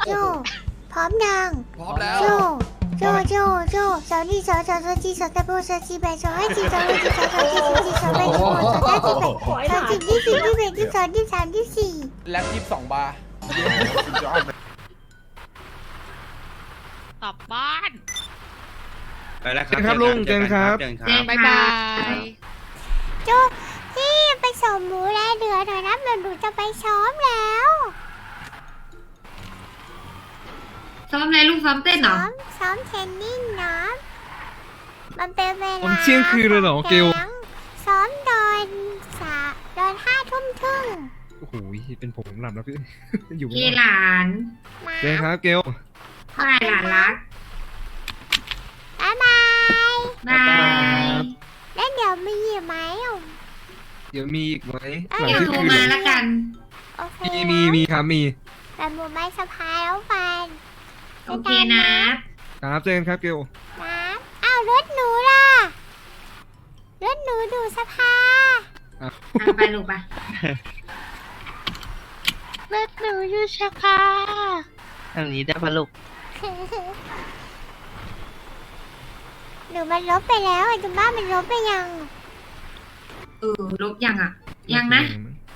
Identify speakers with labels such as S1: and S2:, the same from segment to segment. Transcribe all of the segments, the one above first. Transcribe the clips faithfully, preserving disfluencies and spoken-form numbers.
S1: โจพร้อมยัง
S2: พร้อมแล้ว
S1: โจโจโจโจสาวนี่สาวสาวสาวจีสาวตะโบสาวจีแบสาวไอจีสาวไอจีสาวสาวจีสาวจีสาวแบสาวสาวจีแบสาวจีที่สี่ที่แปดที่สองที่สามที่สี่
S2: แล็บยี่สิบสองบาร์
S3: กลับบ้าน
S4: ไปแล้วค
S5: เจ
S4: รับ
S5: นครับลุงเจนครับ
S4: เจนค
S3: เจ
S4: รับ
S3: นบายบาย
S1: โจพี่ไปส่งหมูแลเดือหน่อยนะเดี๋ยวหนูจะไปซ้อมแล้ว
S3: ซ้อมอะไรลูกซ้อมเต้นเหร
S1: ซ้
S3: อ
S1: อมซ้อมเทนนิสนะมันเป็นเวลา
S5: ผมเที่ยงคืนเลยเหรอเกล
S1: แก๊งซ้อมตอนสาตอนห้าทุ่มครึ่ง
S5: โอ้โหเป็นผมหลับแล้วพี่ อยู่
S3: เก
S5: ไม่
S3: ห
S5: ได้
S3: ลาน
S1: มา
S5: เจนครับเกล
S3: เท่าไหร่หลานรัก
S1: บ๊ายบาย
S3: บาย
S1: แล้วเดี๋ยวมีอีกไหมอ่ะ
S5: เดี๋ยวมีอีกไหมหลัง
S3: เดี๋ยว
S5: ที่
S3: โทร
S5: คืน
S3: มาแล้วกัน
S1: โอเค
S5: มีมีมีครับมี
S1: แต่หมูไม้สะพายแล้วฟัน
S3: โอเคนะ
S5: ครับเจนครับเกล
S1: นะอ้าวรถหนูล่ะรถหนูดูสภา
S3: อ่ะไปลูกไป
S1: รถหนูอยู่สภา
S6: อันนี้ได้ปะลูก
S1: หนูมันลบไปแล้วไอ้จุบ้ามันลบไปยัง
S3: เออลบยังอ่ะ ยังนะ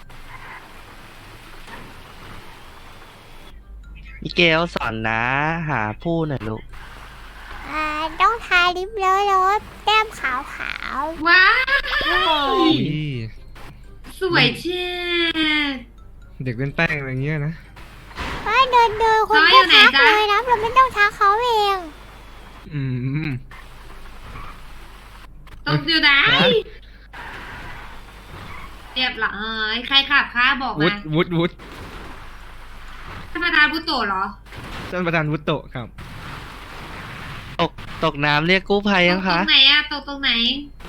S6: มิเกลสอนนะหาผู้หน่อยลูก
S1: อ่าต้องทาลิปเลอะเลอะแก้มขาวขาว
S3: ว้าว
S5: อุ้ย
S3: สวยเช่
S5: เด็กเป็นแป้งอะไรเงี้ยนะ
S1: ๆว่าเดินเดินคนก็ทักเลยนะเราไม่ต้องทักเขาเอง
S5: อืม
S3: ต้องดูได้เรียบร้อยใครขับคะบอก
S5: วุ
S3: มา
S5: ฒวุฒวุฒ
S3: ธรรมดาบุโตะเหรอ
S5: ท่านประธานวุฒโตะครับ
S6: ตกตกน้ำเรียกกู้ภัย
S3: ต
S6: ยั
S3: ก
S6: ง
S3: ตร
S6: คะ
S3: งไหนอะตกตรงไหน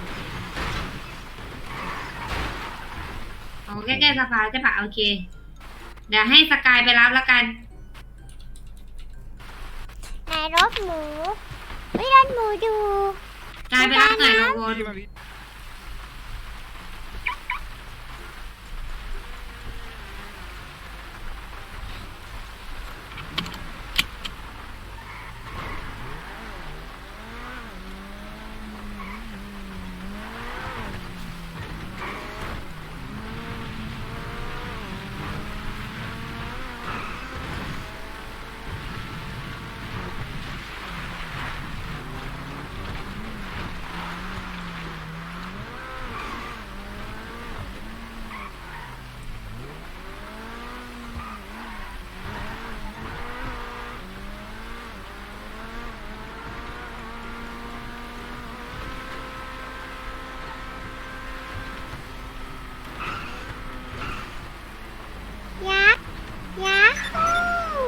S3: โอ้ใกล้ๆสะพานใช่ปะโอเค เดี๋ยวให้สกายไปรับแล้วกัน
S1: ในรถหมูไม่รถหมูดู
S3: กายไปรับหน่อยลงบน
S1: ยักษ์ยักษ์ฮู้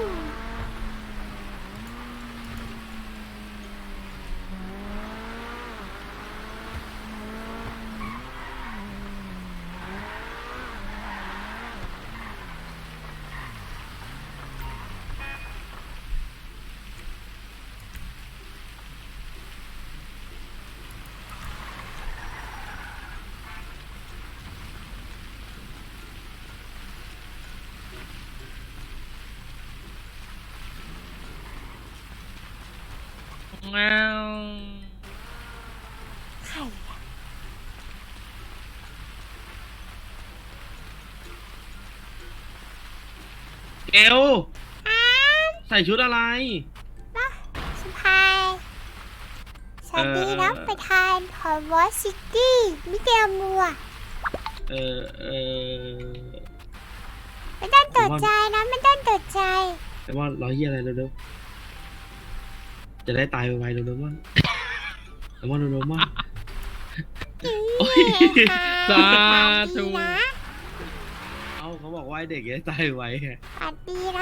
S6: ว้าว
S1: ใครอะ
S4: เกล
S1: อ้าม
S4: ใส่ชุดอะไร
S1: นะสะพายสวัสดีนะประธานของวอซิตี้มิเกลมัว
S4: เออเออ
S1: ไม่ต้องตกใจนะไม่ต้องตกใจ
S4: แต่ว่าร้อยเยี่ยอะไรเร็วๆจะได้ตายไวๆเร็วๆมั่งแต่ว่าเร็วๆมั่ง โอ้ย
S5: สาธุ
S1: สวัสดีนะ
S4: เอ้าเขาบอกว่าให้เด็กจะได้ตายไวไง
S1: สวัสดีนะ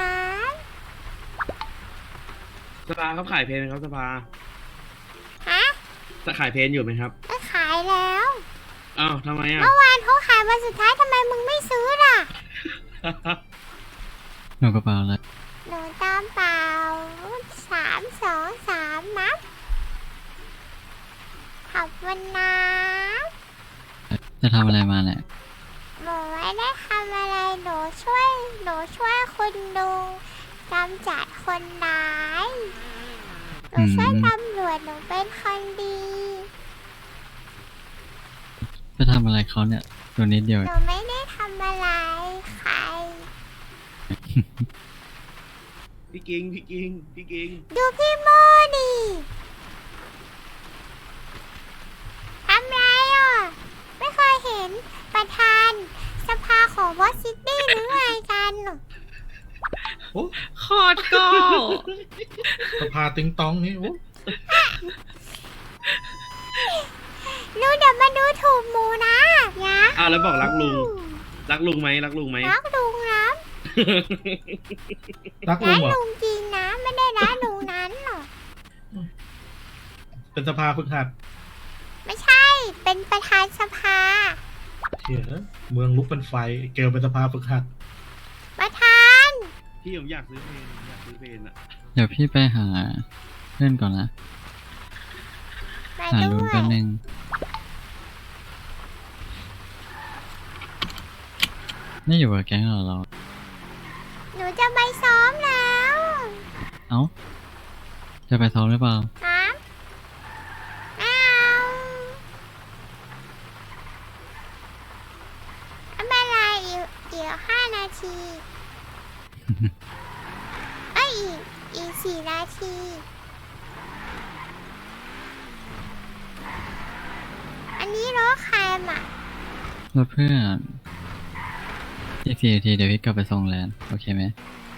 S4: สภาเขาขายเพลงไหมครับสภา
S1: ฮะ
S4: จะขายเพลงอยู่ไหมครับ
S1: ก็ขายแล้ว
S4: อ้าวทำไมอ่ะ
S1: เมื่อวานเขาขายวันสุดท้ายทำไมมึงไม่ซื้อล่ะ
S7: หนูกระเป๋าแล้ว
S1: หนูตามเปล่าสามสองสามนับขอบคุณนะ
S7: จะทำอะไรมาเนี่ย
S1: หนูไม่ได้ทำอะไรหนูช่วยหนูช่วยคุณลุงกำจัดขคนร้ายหนูช่วยตำรวจหนูเป็นคนดี
S7: จะทำอะไรเขาเนี่ย ตัวนิดเดียว
S1: หนูไม่ได้ทำอะไรใคร
S4: พี่กิงพี่กิงพี่กิง
S1: ดูพี่โมดิทำไรอ่ะ ไม่เคยเห็นประธานสภาของวอชิงตันหรือไงกัน
S2: โอ้
S5: คอดโก้
S2: สภาติงตองนี่โอ้
S1: ลูกเดี๋ยวมาดูถูกหมูนะยะ
S4: อ้าวแล้วบอกรักลุง รักลุงไหมรักลุงไหม
S1: รักลุงนะ
S2: รักลุ
S1: รั
S2: ง
S1: ก
S2: เหรอ
S1: ลุงจริงนะ ไม่ได้รักลุงนั้นหรอก
S2: เป็นสภาฝึกหัด
S1: ไม่ใช่ เป็นประธานสภา
S2: เชี่ยเมืองลุกเป็นไฟเกลเป็นสภาฝึกหัด
S1: ประธาน
S4: พี่ผมอยากซื้อเพลงผมอยากซื้อเพลงอ่ะ
S7: เดี๋ยวพี่ไปหาเพื่อนก่อนนะ
S1: มา
S7: หา
S1: ด้
S7: ลุง
S1: วย
S7: แป๊บนึง ไม่อยู่กับแก๊งเราเรา
S1: หนูจะไปซ้อมแล้ว
S7: เอ้า จะไปซ้อมหรือเปล่า
S1: ครับไม่เอาไม่เป็นไรอีกอีกห้านาที เอ้ยอีกอีกสี่นาที อันนี้รถใครมา
S7: แล้วเพื่อนอีกสี่นาทีเดี๋ยวพี่กลับไปส่งแลนด์โอเคไหม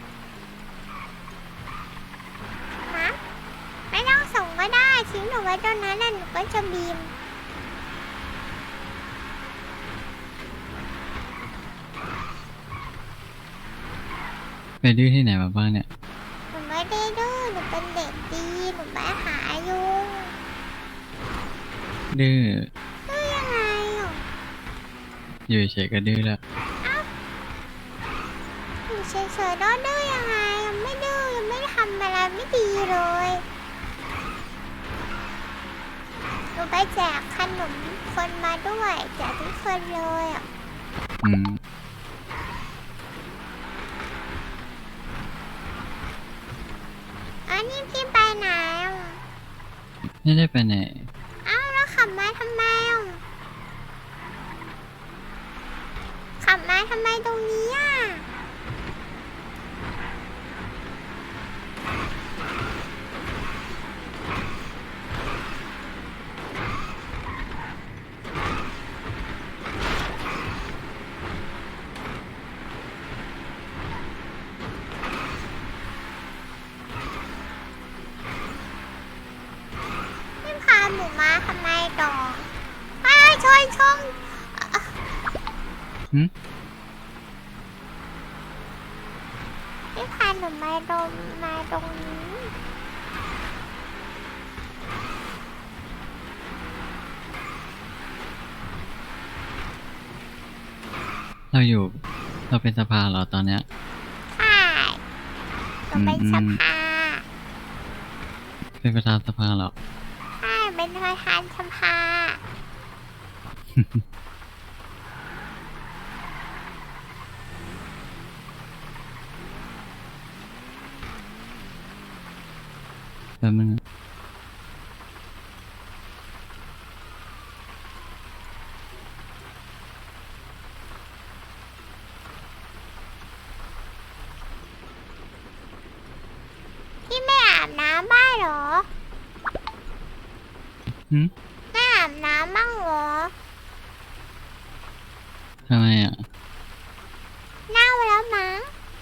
S1: ฮะไม่ต้องส่งก็ได้ทิ้งหนูไว้ตรงนั้นแล้วหนูก็จะบีม
S7: ไปดื้อที่ไหนมาบ้างเนี่ย
S1: หนูไม่ได้ดื้อหนูเป็นเด็กดีหนูไม่หายุง
S7: ดื้อ
S1: ดื้อยังไงอ่ะ
S7: อยู่เฉยๆก็ดื้อแล้ว
S1: อยู่เฉยๆแล้วดื้อยังไงยังไม่ดื้อยังไม่ทำอะไรไม่ดีเลยหนูไปแจกขนมคนมาด้วยแจกทุกคนเลยอ่ะ
S7: อืม
S1: อันนี้พี่ไปไหนอ่ะ
S7: ไม่ได้ไปไหน
S1: เอ้าแล้วขับมาทำไมอ่ะขับมาทำไมตรงนี้อ่ะ พี่พาหนูมาทำไมต่ออ้าวชนชง
S7: หึ
S1: พี่พาหนูมาตรงมาตรงนี้
S7: เราอยู่ เราเป็นสภาเหรอตอนเนี้ย
S1: ใช่หนูเป็น
S7: อื
S1: ส
S7: ม
S1: ภา
S7: เป็นประธานสภาเหรอ
S1: ใช่เป็นประธานสภา
S7: แป๊บนึงนะ
S1: พี่ไม่อาบน้ำบ้างเหรอ
S7: หึ
S1: ไม่อาบน้ำบ้างเหรอ
S7: ทำไมอ่ะ
S1: เน่าแล้วมั้ง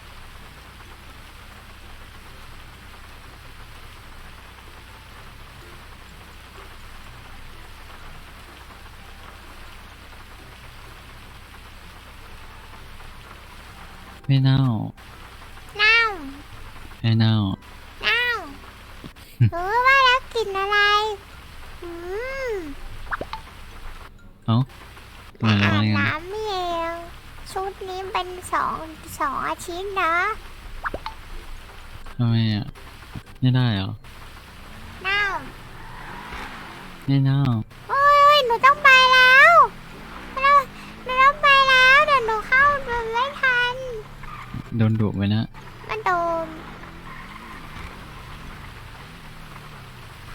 S7: ไม่เน่า
S1: เน่า
S7: ไม่เน่า
S1: เน่ารู้ว่าแล้วกลิ่นอะไร อืม
S7: เอ้าทำไม
S1: ไม่
S7: เรา
S1: อา
S7: ว่า
S1: บ
S7: งั้น
S1: น้ำเองชุดนี้เป็นสองสองอาทิตย์นะ
S7: ทำไมอ่ะ ไม่ได้เหรอ
S1: เน่า
S7: ไม่เน่า
S1: โอ้ยหนูต้องไปแล้วเราหนูต้องไปแล้วเดี๋ยวหนูเข้าดูไม่ทัน
S7: โดนดุไปนะ
S1: มันโดน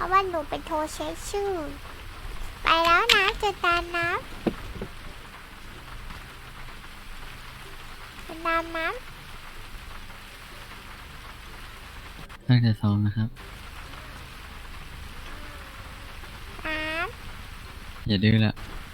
S1: ราะว่าหนูเป็นโทรเช็คชื่อ ไปแล้วนะเจอกันนะเป็นนามนะ
S7: ตั้งใจซ้อมนะครับ
S1: น้
S7: อย่าดื้อละ
S1: ำ